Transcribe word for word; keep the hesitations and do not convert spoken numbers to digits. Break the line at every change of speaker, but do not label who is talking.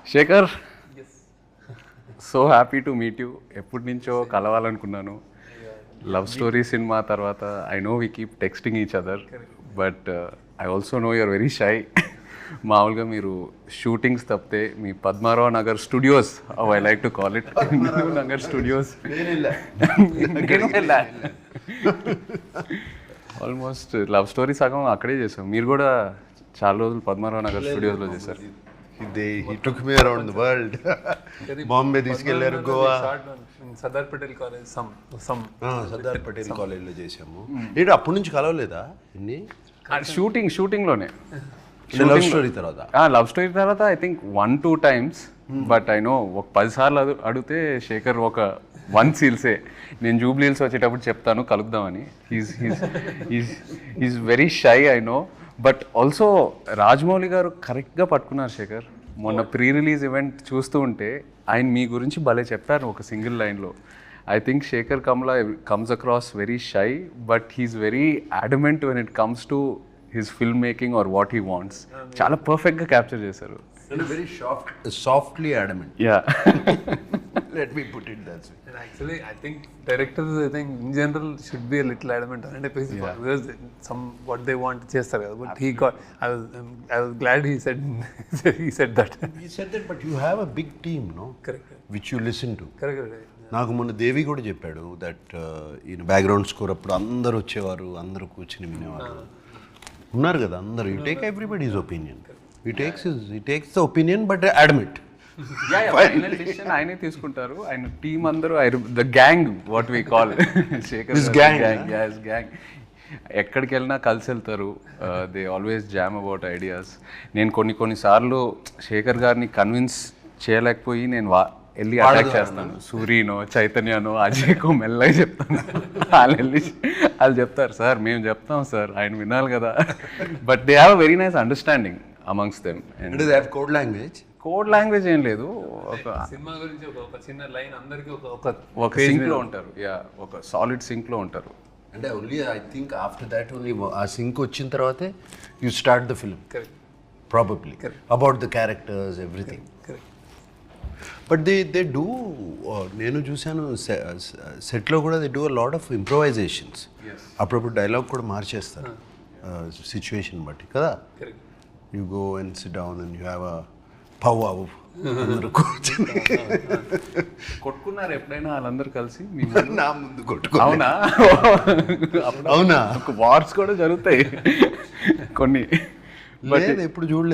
Shekhar, so happy to meet you. ఎప్పటి నుంచో కలవాలనుకున్నాను. లవ్ స్టోరీ సినిమా తర్వాత I know we keep texting each other, but I also know you're very shy. మామూలుగా మీరు shootings తప్పితే మీ Padmarao Nagar studios, I like to call it Nagar studios, almost love story సగం అక్కడే చేసాం. మీరు కూడా చాలా రోజులు పద్మారావు నగర్ స్టూడియోస్లో చేశారు.
They, he took me around the world. Bombay తీసుకెళ్లారు, Goa,
Sardar Patel college, some some
Sardar Patel కాలేజ్లో చేసాము. ఏంటి అప్పటి నుంచి కలవలేదా ఇన్ని?
షూటింగ్ షూటింగ్లోనే
లవ్ స్టోరీ తర్వాత
లవ్ స్టోరీ తర్వాత I think one two times, but I know ఒక పదిసార్లు అడు అడిగితే శేఖర్ ఒక వన్ సీల్సే. నేను జూబ్లీ హిల్స్ వచ్చేటప్పుడు చెప్తాను కలుద్దామని. He's he's he's he's very shy, I know. But also Rajamouli గారు కరెక్ట్గా పట్టుకున్నారు శేఖర్. మొన్న ప్రీ రిలీజ్ ఈవెంట్ చూస్తూ ఉంటే ఆయన మీ గురించి భలే చెప్పారు ఒక సింగిల్ లైన్లో. ఐ థింక్ శేఖర్ కమ్లా comes across very shy, but he's very adamant when it comes to his film making or what he wants. చాలా పర్ఫెక్ట్గా క్యాప్చర్ చేశారు.
Very soft softly adamant.
Yeah,
let me put it that way.
And actually I think directors, I think in general should be a little adamant on it, because some what they want చేస్తారు కదా. But he got, I was um, I was glad he said he said that.
He said that, but you have a big team, no?
Correct.
Which you listen to.
Correct, correct.
నాకు మొన్న దేవి కూడా చెప్పాడు that ఈయన background score అప్పుడు అందరు వచ్చేవారు, అందరూ కూర్చుని వినేవారు ఉన్నారు కదా అందరు. You take everybody is opinion, you takes you takes the opinion but admit.
Final decision ఆయనే తీసుకుంటారు. ఆయన టీమ్ అందరూ the gang, what we call Shekhar gang. Gang ఎక్కడికి వెళ్ళినా కలిసి వెళ్తారు. They always jam about ideas. నేను కొన్ని కొన్నిసార్లు శేఖర్ గారిని కన్విన్స్ చేయలేకపోయి నేను వా వెళ్ళి అటాక్ చేస్తాను. సూర్యనో చైతన్యనో అజయ్కో మెల్లగా చెప్తాను. వాళ్ళు వెళ్ళి వాళ్ళు చెప్తారు, సార్ మేము చెప్తాం సార్, ఆయన వినాలి కదా. But they have very nice understanding amongst them.
And code language
code language ఏం లేదు. ఒక
సినిమా గురించి ఒక ఒక చిన్న లైన్ అందరికీ ఒక ఒక
ఒక సింక్లో ఉంటారు. యా, ఒక సాలిడ్ సింక్లో ఉంటారు.
అంటే only I think after that only ఆ సింక్ వచ్చిన తర్వాతే you start the film probably about the characters everything. But they they do, నేను చూశాను సెట్లో కూడా they do a lot of improvisations. అప్పుడప్పుడు డైలాగ్ కూడా మార్చేస్తారు సిచ్యువేషన్ బట్టి కదా. You go and sit down and you have a పవ్ అవు అందరూ కూర్చొని
కొట్టుకున్నారు ఎప్పుడైనా వాళ్ళందరూ కలిసి?
నా ముందు కొట్టుకో.
అవునా?
అవునా?
వార్స్ కూడా జరుగుతాయి కొన్ని,
బట్ ఎప్పుడు చూడలేదు.